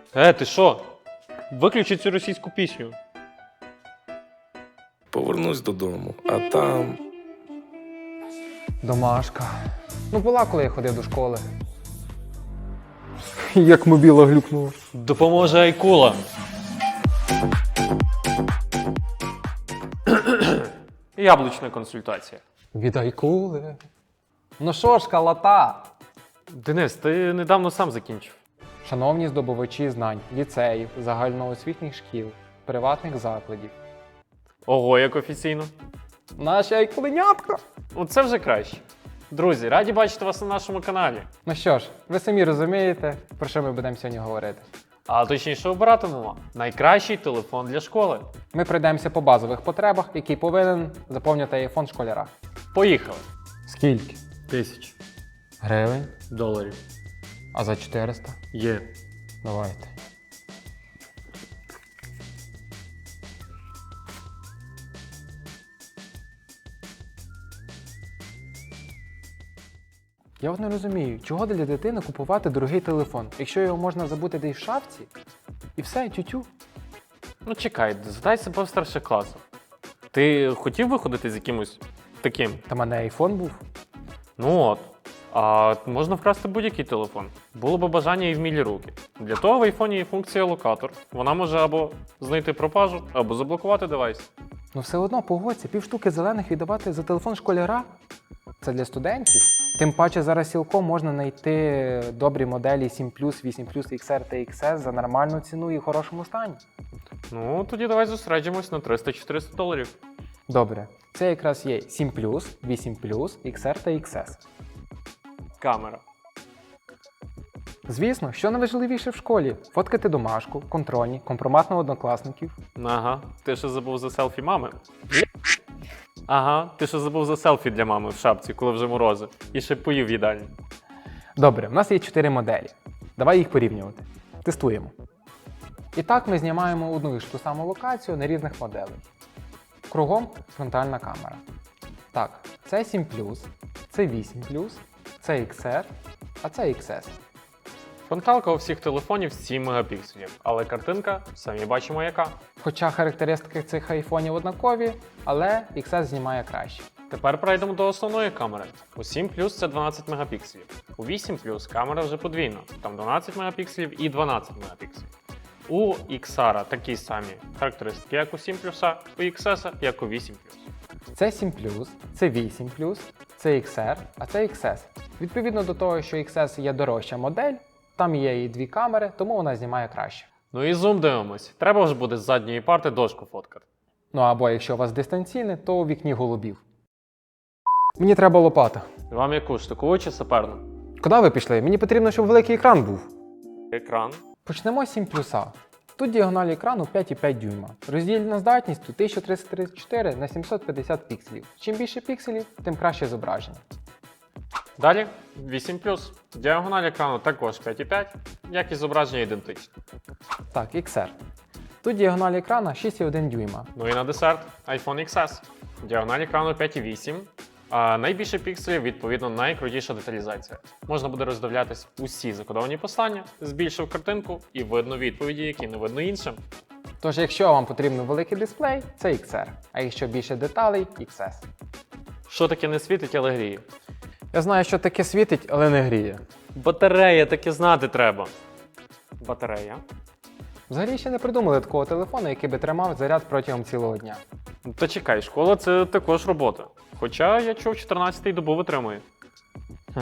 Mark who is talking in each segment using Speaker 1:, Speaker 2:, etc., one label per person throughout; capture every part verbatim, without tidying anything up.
Speaker 1: Е, ти що? Виключи цю російську пісню.
Speaker 2: Повернусь додому, а там.
Speaker 3: Домашка. Ну, була, коли я ходив до школи. Як мобіла глюкнула.
Speaker 1: Допоможе Айкула. Яблучна консультація.
Speaker 3: Від Айкули. Ну що ж, калата?
Speaker 1: Денис, ти недавно сам закінчив.
Speaker 3: Шановні здобувачі знань, ліцеїв, загальноосвітніх шкіл, приватних закладів.
Speaker 1: Ого, як офіційно.
Speaker 3: Наші айкуленятка!
Speaker 1: Оце вже краще. Друзі, раді бачити вас на нашому каналі.
Speaker 3: Ну що ж, ви самі розумієте, про що ми будемо сьогодні говорити.
Speaker 1: А точніше обиратимемо найкращий телефон для школи.
Speaker 3: Ми пройдемося по базових потребах, які повинен заповнити айфон школяра.
Speaker 1: Поїхали.
Speaker 3: Скільки?
Speaker 1: Тисяч
Speaker 3: Гривень.
Speaker 1: доларів.
Speaker 3: А за чотириста?
Speaker 1: Є.
Speaker 3: Давайте. Я от не розумію, чого для дитини купувати дорогий телефон, якщо його можна забути десь в шафці, і все, тютю.
Speaker 1: Ну чекай, задай себе в старших класах. Ти хотів виходити з якимось таким?
Speaker 3: Та в мене айфон був.
Speaker 1: Ну от. А можна вкрасти будь-який телефон. Було б бажання і вмілі руки. Для того в айфоні є функція локатор. Вона може або знайти пропажу, або заблокувати девайс.
Speaker 3: Ну все одно, погодься, півштуки зелених віддавати за телефон школяра. Це для студентів. Тим паче зараз цілком можна знайти добрі моделі сім плюс, вісім плюс, ікс ар та ікс ес за нормальну ціну і в хорошому стані.
Speaker 1: Ну, тоді давай зосереджимось на триста-чотириста доларів.
Speaker 3: Добре, це якраз є сім плюс, вісім плюс, ікс ар та ікс ес.
Speaker 1: Камера.
Speaker 3: Звісно, що найважливіше в школі? Фоткати домашку, контрольні, компромат на однокласників.
Speaker 1: Ага, ти ще забув за селфі мами. Ага, ти ще забув за селфі для мами в шапці, коли вже морози. І ще поїв в їдальні.
Speaker 3: Добре, в нас є чотири моделі. Давай їх порівнювати. Тестуємо. І так ми знімаємо одну і ж ту саму локацію на різних моделей. Кругом фронтальна камера. Так, це сім плюс, це вісім плюс, це ікс ар, а це ікс ес.
Speaker 1: Фронталка у всіх телефонів сім мегапікселів, але картинка, самі бачимо яка.
Speaker 3: Хоча характеристики цих айфонів однакові, але ікс ес знімає краще.
Speaker 1: Тепер перейдемо до основної камери. У сім плюс це дванадцять мегапікселів. У вісім плюс камера вже подвійна, там дванадцять мегапікселів і дванадцять мегапікселів. У ікс ар такі самі характеристики, як у сім плюс, у ікс ес, як у вісім плюс.
Speaker 3: Це сім плюс, це вісім плюс, це ікс ар, а це ікс ес. Відповідно до того, що ікс ес є дорожча модель, там є і дві камери, тому вона знімає краще.
Speaker 1: Ну і зум дивимось. Треба ж буде з задньої парти дошку фоткати.
Speaker 3: Ну або якщо у вас дистанційне, то у вікні голубів. Мені треба лопата.
Speaker 1: Вам яку штукову чи саперну?
Speaker 3: Куди ви пішли? Мені потрібно, щоб великий екран був.
Speaker 1: Екран.
Speaker 3: Почнемо з сім плюса. Тут діагональ екрану п'ять і п'ять дюйма. Роздільна здатність тут тисяча триста тридцять чотири на сімсот п'ятдесят пікселів. Чим більше пікселів, тим краще зображення.
Speaker 1: Далі вісім плюс. Діагональ екрану також п'ять і п'ять, як і зображення ідентичне.
Speaker 3: Так, ікс ар. Тут діагональ екрана шість і один дюйма.
Speaker 1: Ну і на десерт iPhone ікс ес. Діагональ екрану п'ять і вісім. А найбільше пікселів, відповідно, найкрутіша деталізація. Можна буде роздивлятись усі закодовані послання, збільшив картинку і видно відповіді, які не видно іншим.
Speaker 3: Тож, якщо вам потрібен великий дисплей, це ікс ар. А якщо більше деталей, ікс ес.
Speaker 1: Що таке не світить, але гріє?
Speaker 3: Я знаю, що таке світить, але не гріє.
Speaker 1: Батарея, таке знати треба. Батарея.
Speaker 3: Взагалі ще не придумали такого телефону, який би тримав заряд протягом цілого дня.
Speaker 1: Та чекай, школа це також робота. Хоча я чув, чотирнадцятий добу витримує.
Speaker 3: Хм.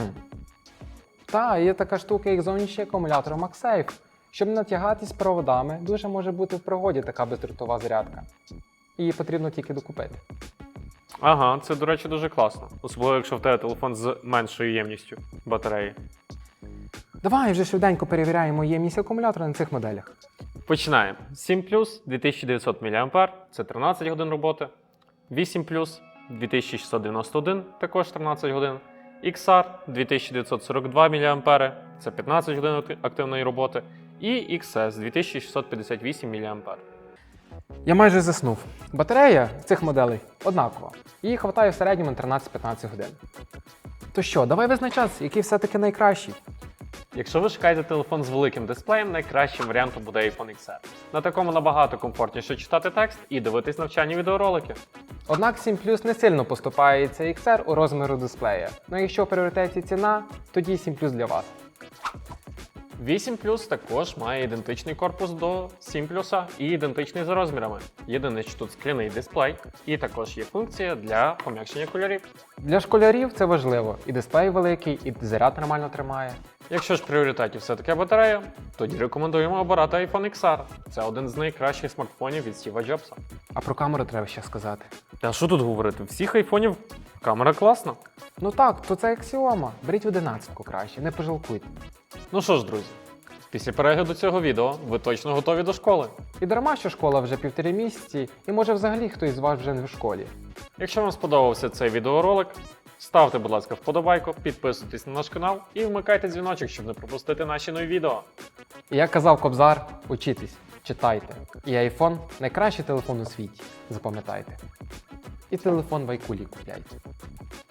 Speaker 3: Та, є така штука, як зовнішній акумулятор MagSafe. Щоб не натягатись проводами, дуже може бути в пригоді така бездротова зарядка. Її потрібно тільки докупити.
Speaker 1: Ага, це, до речі, дуже класно. Особливо, якщо в тебе телефон з меншою ємністю батареї.
Speaker 3: Давай вже швиденько перевіряємо ємність акумулятора на цих моделях.
Speaker 1: Починаємо. сім плюс дві тисячі дев'ятсот мАч, це тринадцять годин роботи. вісім плюс дві тисячі шістсот дев'яносто один, також тринадцять годин. ікс ар дві тисячі дев'ятсот сорок два мАч, це п'ятнадцять годин активної роботи. І ікс ес дві тисячі шістсот п'ятдесят вісім мАч.
Speaker 3: Я майже заснув. Батарея цих моделей однакова. Її хватає в середньому на тринадцять-п'ятнадцять годин. То що, давай визначатися, який все-таки найкращий.
Speaker 1: Якщо ви шукаєте телефон з великим дисплеєм, найкращим варіантом буде iPhone ікс ар. На такому набагато комфортніше читати текст і дивитись навчальні відеоролики.
Speaker 3: Однак сім плюс не сильно поступається ікс ар у розміру дисплея. Ну якщо в пріоритеті ціна, тоді сім плюс для вас.
Speaker 1: вісім плюс також має ідентичний корпус до сім плюса і ідентичний за розмірами. Єдине, що тут скляний дисплей, і також є функція для пом'якшення кольорів.
Speaker 3: Для школярів це важливо. І дисплей великий, і заряд нормально тримає.
Speaker 1: Якщо ж в пріоритеті все-таки батарея, тоді рекомендуємо обирати iPhone ікс ар. Це один з найкращих смартфонів від Стіва Джобса.
Speaker 3: А про камеру треба ще сказати.
Speaker 1: Та що тут говорити? Всіх айфонів камера класна.
Speaker 3: Ну так, то це аксіома. Беріть одинадцятку краще, не пожалкуйте.
Speaker 1: Ну що ж, друзі, після перегляду цього відео ви точно готові до школи.
Speaker 3: І дарма, що школа вже півтори місяці, і може взагалі хтось з вас вже не в школі.
Speaker 1: Якщо вам сподобався цей відеоролик, ставте, будь ласка, вподобайку, підписуйтесь на наш канал і вмикайте дзвіночок, щоб не пропустити наші нові відео.
Speaker 3: І як казав Кобзар, учітесь, читайте. І iPhone – найкращий телефон у світі, запам'ятайте. І телефон в айкулі купляйте.